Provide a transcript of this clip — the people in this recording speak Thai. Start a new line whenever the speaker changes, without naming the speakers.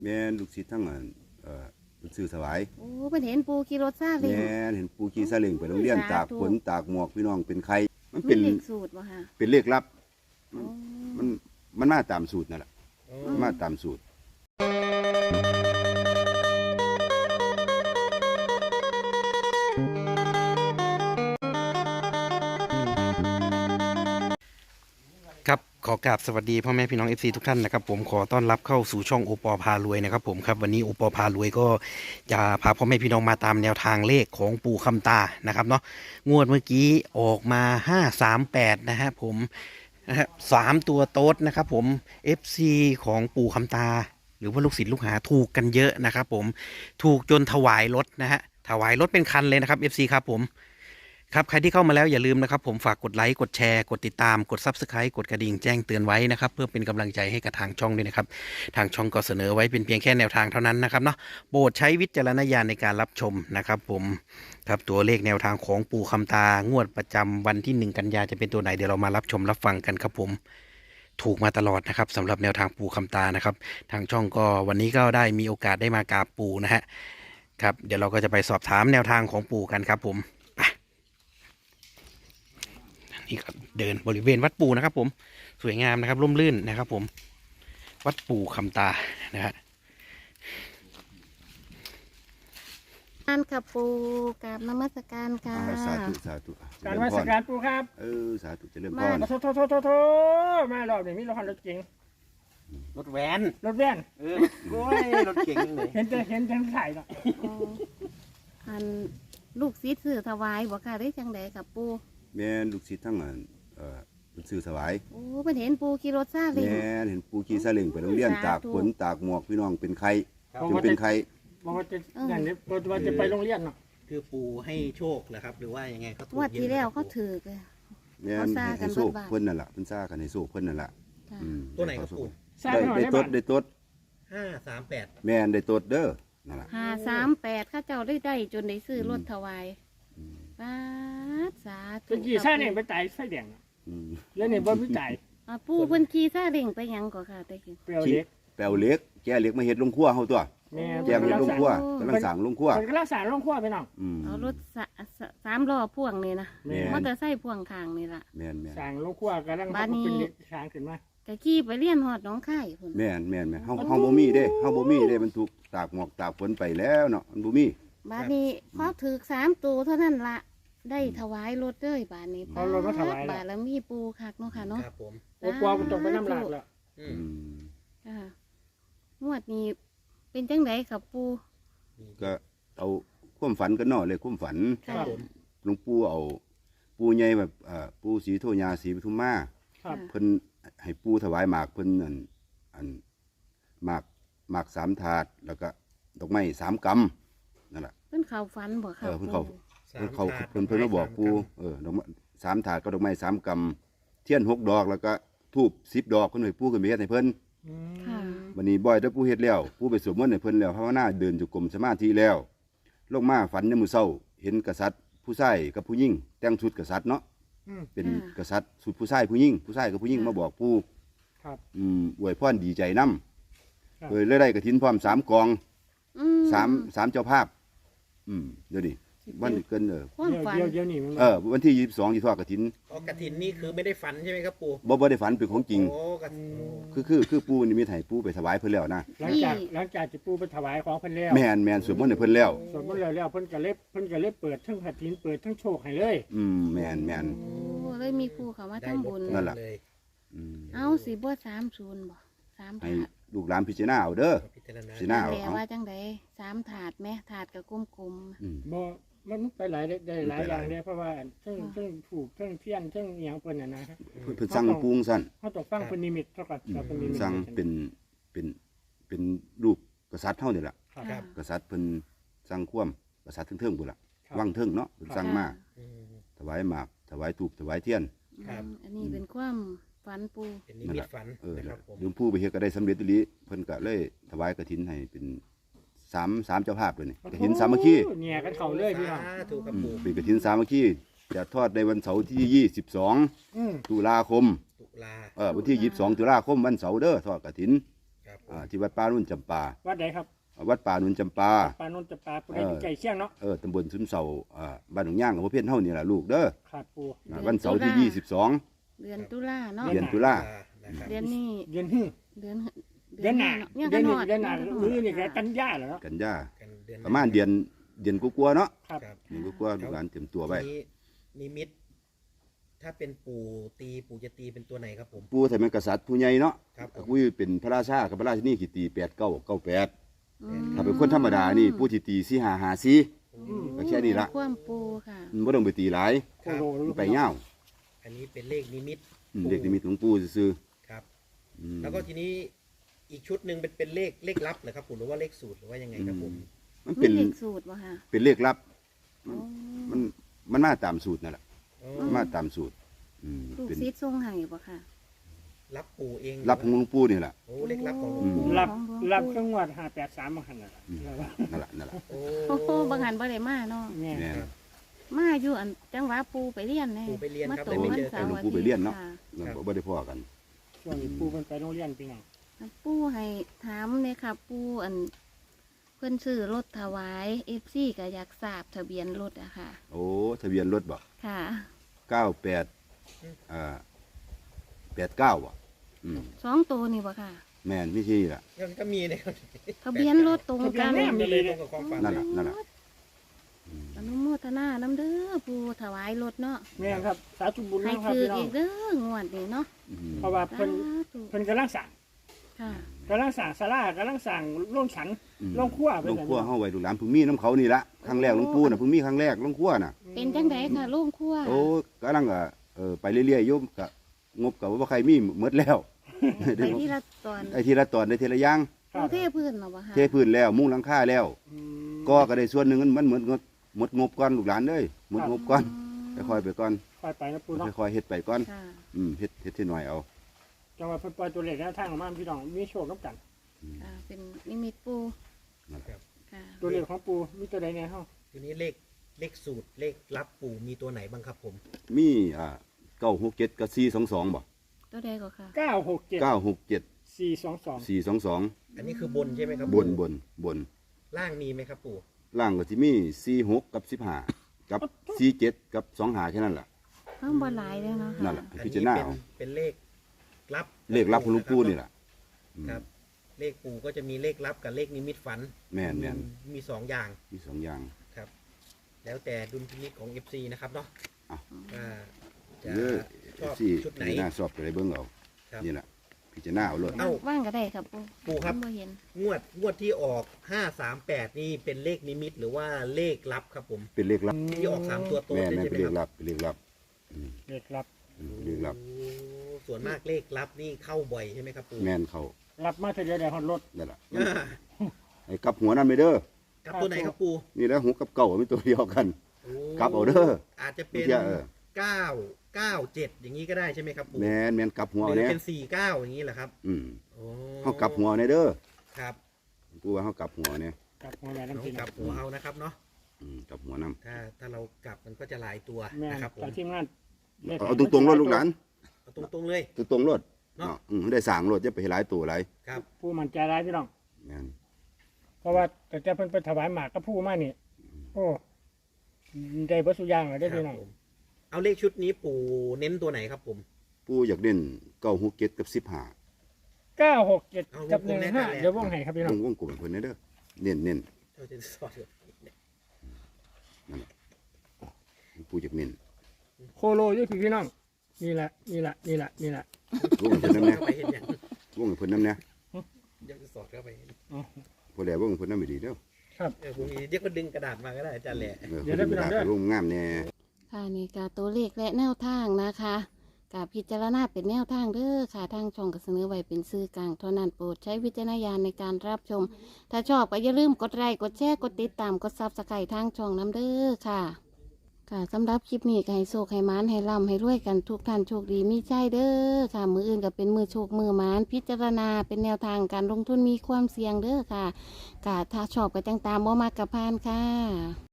แม่นลูกศิษย์ทั้งสื่อถวาย
โอ้เพิ่นเห็นปูขี่รถซาเล้ง
แม่นเห็นปู่ขี่ซาเล้งไปโรงเรียนตากฝนตากหมอกพี่น้องเป็นใครมัน
มี
เป็น
เลขสูตรบ่คะ
เป็นเลขลับ
โอ้
มันมาตามสูตรนั่นแหละมาตามสูตร
ครับขอกราบสวัสดีพ่อแม่พี่น้อง FC ทุกท่านนะครับผมขอต้อนรับเข้าสู่ช่องโอปอพารวยนะครับผมครับวันนี้โอปอพารวยก็จะพาพ่อแม่พี่น้องมาตามแนวทางเลขของปู่คำตานะครับเนาะงวดเมื่อกี้ออกมา538นะฮะผมนะฮะ3ตัวโต๊ดนะครับผม FC ของปู่คำตาหรือว่าลูกศิษย์ลูกหาถูกกันเยอะนะครับผมถูกจนถวายรถนะฮะถวายรถเป็นคันเลยนะครับ FC ครับผมครับใครที่เข้ามาแล้วอย่าลืมนะครับผมฝากกดไลค์กดแชร์กดติดตามกด Subscribe กดกระดิ่งแจ้งเตือนไว้นะครับเพื่อเป็นกำลังใจให้กับทางช่องด้วยนะครับทางช่องก็เสนอไว้เป็นเพียงแค่แนวทางเท่านั้นนะครับเนาะโปรดใช้วิจารณญาณในการรับชมนะครับผมครับตัวเลขแนวทางของปู่คำตางวดประจำวันที่1 กันยาจะเป็นตัวไหนเดี๋ยวเรามารับชมรับฟังกันครับผมถูกมาตลอดนะครับสำหรับแนวทางปู่คำตานะครับทางช่องก็วันนี้ก็ได้มีโอกาสได้มากราบปู่นะฮะครับเดี๋ยวเราก็จะไปสอบถามแนวทางของปู่กันครับผมนี่ครับเดินบริเวณวัดปู่นะครับผมสวยงามนะครับร่มรื่นนะครับผมวัดปู่คำตานะฮะ
การกับปูกับนมัสการค่ะ
สาธุสาธุ
การมาสักการปูครับ
สาธุเจริญพ
มา
ร
โทมารอบนี้มีรถเก๋ง
รถแวน
รถแว่น
โอ้ยรถเก่งเลย
เห็นแต่ถ่ายเนาะ
อ๋ออันลูกศิษย์ซื้อถวายบ่ค่ะได้จังไดกับปู
แม่นลูกศิษย์ทั้งสื่อถวาย
โอ้เพิ่นเห็นปูขี่รถซาเล้ง
แม่นเห็นปู่ขี่ซาเล้งไปโรงเรียนตากฝนตากหมอกพี่น้องเป็นใครจนเป็นใคร
บอกว่าจะอย่างนี้ว่าจะไปโรงเรียนเนาะ
คือปู่ให้โชคเหรอครับหรือว่ายังไงเขาถูก
งวดที่แล้วเขาถือเลย
แม่น
เขาซ่ากัน
ให้โซ่
บ้านๆ
เพิ่นนั่นล่ะเพิ่นซ่ากันให้โซ่เพิ่นนั่นล่ะ
ค่ะ
ตัวไหนครับปู่
สร้าง
ได้
หน่อย
ได้
ได้
ต
บ้า
ด
น
ได้ตด
538
แม่นได้ตดเด้อนั่นล่ะ
538ข้าเจ้าได้จนได้ซื้อรถถวายปาดสาธุ
เป็นกี่สร้างเนี่ยไปจ่ายไฟแดง
อืม
แล้วเนี่ยบ่มีจ่าย
ปูเพิ่นขี่ซาเล้งไปหยังก็ค่ะแต่กี้
เปรี้ยวเล็ก
แปลวเหล็กแก่เหล็กมาเฮ็ดลงครัวเฮาตัว
แม่
แก่มาเฮ็ดลงครัวกำลังสร้างลงครัว
มันก็รักษาโรงครัวไปเนาะ
เอารถสามล้อพ่วงนี่นะ
แม่
มอเตอร์ไซค์พ่วงข้างนี่ล่ะ
แม่นแม่น
สร้างโรงครัวกำลังเป็นเด็กสร้างขึ้นมา
ก็ขี่ไปเรียนฮอดหนองคายพุ่น
แม่นแม่นแม่นเฮาบ่มีเด้เฮาบ่มีเด้มันถูกตากหมอกตากฝนไปแล้วเนาะมันบ่มี
บาดนี้พอถือ3ตัวเท่านั้นละได้ถวายรถเลยบาดนี้
เอารถมาถวาย
บาดแล้วมีปูคักเนาะค่ะเนาะ
ครับผม
โอ้กลัวมันตกไปน้ำหลากแล้ว
อื
อื
ม
ม
ค่ะงวดนี้เป็นจังไดครับปู
ก็เอาความฝันกันเนาะเลยความฝัน
ครับผม
หลวงปู่เอาปู่ใหญ่แบบปู่ศรีโทยาศรีปทุมมา
ครับ
เพิ่นให้ปู่ถวายหมากเพิ่นอันหมาก3 ถาดแล้วก็ดอกไม้3 กำนั่นล่ะ
เพิ่นเข้าฝันบ่ค่ะ
เพิ่นเข้า
ปู่
เพิ่นมาบอกปู่ดอกไม้3 ถาดก็ดอกไม้3 กำเทียน6 ดอกแล้วก็ธูป10 ดอกเพิ่นให้ปู่ขึ้นไปเฮ็ดให้เพิ่น
ค่ะ
วันนี้บ่อยถ้าปู่เฮ็ดแล้วปู่ไปสวดมนต์ให้เพิ่นแล้วภาวนาเดินจงกรมสมาธิแล้วลงมาฝันในมื้อเช้าเห็นกษัตริย์ผู้ชายกับผู้หญิงแต่งชุดกษัตริย์เนาะเป็นกษัตริย์ชุดผู้ชายผู้หญิงกับผู้หญิงมาบอกปู่
ครับ
อวยพรดีใจนำเลยได้กฐินพร้อม3 กอง 3เจ้าภาพเดี๋ยวนี้วันเกิน
ความฝัน
เดี๋ยวนี่มัน
วันที่22ที่ทอดกฐิน
อ๋อกฐินนี่คือไม่ได้ฝันใช่ไหมครับปู่
บ่ได้ฝันเป็นของจริง
โอ้กฐิน
คือปู่นี่มีให้ปู่ไปถวายเพิ่นแล้วนะ
หลังจากจะปูไปถวายของเพิ่นแล้ว
แม่นสวดมนต์ให้เพิ่นแล้ว
สมมติแล้วเพิ่นก็เล็บเปิดทั้งผัดทินเปิดทั้งโชคให้เลย
แม่น
โอ้เลยมีผู้เข้ามา
ได้
ทำ
ร
บุ
ถ
ญ
นั่นล่ะ
เลย
เอาสิบ่30บ่3
ให้
ถาด
ลูกหลานพิจารณาเอาเด้อ
พิจารณา
สิหน้าเอา
แปลว่าจังได3ถาดแม่ถาดก็กลม
บ่มันไปหลายได้หลายอย่างเลยเพราะว่าทั้งถูกทั้งเพี้ยนทั้งอหย่างเพิ่นน่ะนะ
เพิ่นสั่งปรุงสั่น
เขาต้องฟังเพิ่นนิมิตเท่ากับเพิ่นนิมิต
สั่งเป็นรูปกษัตริย์เฮานี่ล่ะ
ๆ
ครับ
กษัตริย์เพิ่นสั่งความกษัตริย์เทิงๆพุ่นล่ะวังเทิงเนาะเพิ่นสั่งมา
อืม
ถวายหมากถวายธูปถวายเทียน
ครับ
อันนี้เป็นความฝันปู
เป็นนิมิตฝันนะครับผม
หลวงปู่ไปเฮ็ดก็ได้สำเร็จอีหลีเพิ่นก็เลยถวายกฐินให้เป็น3เจ้าภาพเลยนี่กฐินสามัคคี
เนี่ยกันเข้าเลยพี่น้อง
ถูกครับปู่
เป็นกฐินสามัคคีจะทอดในวันเสาร์ที่22ตุลาคม
ตุลา
วันที่22ตุลาคมวันเสาร์เด้อทอดกฐิน
ครับผ
ที่วัดป่านุ่นจำปา
วัดไหนครับ
วัดป่านุ่นจำปา
ปานนท์จะปลาผู้ใดอยู่ใกล้เชียงเนาะ
ตำบลซุมเสาบ้านหนองย่างอำเภอเพี้ยนเฮานี่ล่ะลูกเด้อ
ครับปู
วันเสาร์ที่22
เดือนตุลาเนาะ
เดือนตุลา
นะครับ
เดือนนี้
เดือนหื้อ
เดือน
เดือนหน้า
เนี่ย
เดื
กั
อน
นห
นี้
อด
เดือนหน้าหรือนี่ก็กันยาเหรอเนาะ
กันยา
กันเดือน
ประมาณเดือนกว่าๆเนาะ
ครับ
ครับ
เดือนกว่าๆลูกหลานเตรียมตัวไว้
ทีนี้นิมิต ถ้าเป็นปู่จะตีเป็นตัวไหนครับผม
ปู่ถ้าเป็นกษัตริย์ผู้ใหญ่เนาะ
ครับผม
กูเป็นพระราชากับพระราชินีกี่ตี8998
อืม
ถ้าเป็นคนธรรมดานี่ปู่สิตี4554ก็แค่นี้ละ
ความปูค่ะ
บ่ต้องไปตีหลาย
โคโลลูก
ไปยาว
อันนี้เป็นเลขนิมิต
เด็กนิมิตหลวงปู่ซื่อ
ครับ
ๆอืม
แล้วก็ทีนี้อีกชุดหนึ่งเป็นเลขลับเหรอครับผมหรือว่าเลขสูตรหรือว่ายังไงครับผม
มัน
มี
เป็น
เลขสูตรบ่ค่ะ
เป็นเลขลับ
อ๋อ
มันมาตามสูตรนั่นแหละ
อ๋อ
มันมาตามสูตร
ลูก
เป็น
ศิษย์ทรงให้บ่ค่ะ
รับปู่เอง
รับของหลวงปู่นี่แหละ
โอ้เลขลับของหลวง
อื
ปู่
ม
รับเครื่องวัด583มาหันน่ะ
นั่นแหละนั่นแหละ
โอ้
โอ้โหบางหันบ่ได้มาเนาะ
แม่
แม่น
มาอยู่อันจังหวะปูไปเรียนแน่
ปู่ไปเรียนครับ
มา
เลยไม่เจอ
วั
กัน
สาร์
หลวงปู่ไปเรียนเนาะ
ค่
เราบ่ได้พ้อกัน
ช่วงนี้ปูเพิ่นไปโรงเรียนพี่น้อง
ปูให้ถามเนี่ยค่ะปูอันเพิ่นซื้อรถถวาย FC ก็อยากทราบทะเบียนรถอะค่ะ
โอ้ทะเบียนรถบ่
ค่ะ
9889อ่ะ
สองตัวนี่บ่ค่ะ
แม่นไม่ใช่ล่ะ
ยังก็มีนะครับ
ทะเบียนรถตรงกัน
ก็เลยตรงกับความฝัน
นั่นแหละนั่นแหละ
อนุโมทนาน้ำเด้อปูถวายรถเนาะ
แม่ครับสาธุบุญ
ให้
นะครับ
คือ
พี่น้อ
อี
ง
กเด้องวดนี้เนาะ
เพราะว่า
สา
เพิ่น
ธุ
เพิ่นกำลังสั่ง
ค่ะ
กำลังสั่งศาลากำลังสั่งโรงฉันโรงครัว
ลงครัวเฮาไว้ลูกหลานเพิ่งมีน้ำเขานี่ละครั้งแรกหลวงปู่น่ะเพิ่งมีครั้งแรกลงครัวน่ะ
เป็นจังไดค่ะโรงครัว
โอ้กำลังไปเรื่อยๆโยมก็งบก็บ่ใครมีหมดแล้ว
ไปที่ละตอน
ไอ้ทีละตอนได้ทีละอย่าง
ปูเทพื้นมาบ่ค่ะ
เทพื้นแล้วมุงหลังคาแล้ว
อืม
ก็ได้ส่วนหนึ่งมันเหมือนหมดงบก่อนลูกหลานเลยหมดงบก่อนค่อยๆไปก่อน
ค่อยไปนะปูเนาะ
ค่อยๆเฮ็ดไปก่อน
ค่ะ
เฮ็ดที่หน่อยเอา
จังหวะเพิ่นปล่อยตัวเลขแนวทางออกมาพี่น้องมีโชคนํกัน
ค่ะเป็นนิมิตปู
ครับ
ค่ะ
ตัวเลขของปูมีตัวใดแน่เฮา
ทีนี้เลขสูตรเลขลับปู่มีตัวไหนบ้างครับผม
มี967กับ422บ่
ตัวใดก็ค่ะ
967
967
422
422
อันนี้คือบนใช่ไหมครับ
บน
ปู่
บน
ล่างมีไหมครับปู่
ล่างก็สิมี46กับ15กับ47กับ25แค่นั้นล่ะ
เพิ่มบ่หลายเลยเนาะ
นั่น
ค่ะ
ล่ะ
อัน
พิ
นี้
จารณา
เป็น
เอา
เป็นเลขลับ
เลขลับของหลวงปู่นี่ล่ะ
ครับ เลขปู่ก็จะมีเลขลับกับเลขนิมิตฝัน
แม่น
มีสองอย่าง
มีสองอย่าง
ครับ แล้วแต่ดุลพินิจของ FC นะครับเนาะ
อ่ะ
ว่าจะ
เยอะ
ชอบ
สิ
ชุดไหน
น่าสอบไปเบิ่งเอา
ครับ
นี่ล่ะพิจารณาเอาโลด
เอ้า
ว่างก็ได้ครับปู
ปู่ครับ
บ่เห็น
งวดที่ออก 538 นี่เป็นเลขนิมิตหรือว่าเลขลับครับผม
เป็นเลขลับ
ที่ออก3ตัวโต
แม่
เลย
น
ใช่ไห
เป็
ม
นเล
ค
ข
รับ
ลับเป็นเลขลับ
เลขรับ
เลขลับ
โอ้ส่วนมากเลขลับนี่เข้าบ่อยใช่ไหมครับปู่
แม่นเขา
รับมาเท่าเดียวได้ฮอดรถ
นั่นล่ะ
อ่า
ไอ้กลับหัวนั่นไปเด้อ
กับตัวไหนครับปู่
นี่แหล้วหัวกับเก่ามันตัวเดียวกัน
โอ้
กลับเอาเด้อ
อาจจะเป็น
เมื่อกี้
997 อย่างนี้ก็ได้ใช่ไหมครับปู่
แม่นกลับหัว
ห
เอา
รือ
เนี่ย
เป็น49อย่างนี้เหรอครับ โอ้
เฮากลับหัวเอาเนี่ยเด้อ
ครับ
กูว่าเฮากลับหัวเนี่ย
กลับหัวแม่
ต้
น้ำ
อง
พี่
ก
น้
ลั
อบ ง
หัวเอานะครับเนาะ
กลับหัวนํ
ถ้าเรากลับมันก็จะหลายตัว
แม่
นะครับผม
จากทีมงาน
เอาตรงๆรถลูกหลาน
เอาตรงๆเลย
ตรงๆรถ
เนาะ
ได้สร้างรถอย่าไปให้หลายตัวหลาย
ครับ
ผู้มันใจร้ายพี่น้อง
แม่น
เพราะว่าแต่เพิ่นไปถวายหมากกับผู้มานี่ โอ้ได้เบ่สุอย่างเลยได้อพี่น้อง
ผมเอาเลขชุดนี้ปู่เน้นตัวไหนครับผม
ปู่อยากเล่น967กับ15
967 กับ 15เดี๋ยววงให้ครับพี่น้อง
วงกลมให้เพิ่นเด้อเน้น
เราจะสอน
ปู่อยากเน้น
โคโลอยู่พี่น้อง นี่แหละ
วงให้เพิ่นนำแน่
เข้าไปเห็นอย่าง
วงให้เพิ่นนำแน่
เดี๋ยวจะสอดเข้าไปเห็น
พอแล้ววงให้เพิ่นนำไม่ดีเด้อ
ผมมีเดี๋ยวก็ดึงกระดาษมาก็ได้อาจารย์แหละ
เดี๋ยวได้ไปลองเด้อ
วงงามแน่
ค่ะนี่กาตัวเลขและแนวทางนะคะกาพิจารณาเป็นแนวทางเด้อค่ะทางช่องก็เสนอไว้เป็นสื่อกลางเท่านั้นโปรดใช้วิจารณญาณในการรับชม ถ้าชอบก็อย่าลืมกดไลค์กดแชร์กดติดตามกดซับสไครต์ทางช่องน้ำเด้อค่ะ ค่ะสำหรับคลิปนี้ก็ให้โชคให้หมานให้ร่ำให้รวยกันทุกท่านโชคดีมีใจเด้อค่ะมืออื่นก็เป็นมือโชคมือหมานพิจารณาเป็นแนวทางการลงทุนมีความเสี่ยงเด้อค่ะกะถ้าชอบก็จังตามบ่มากกับพานค่ะ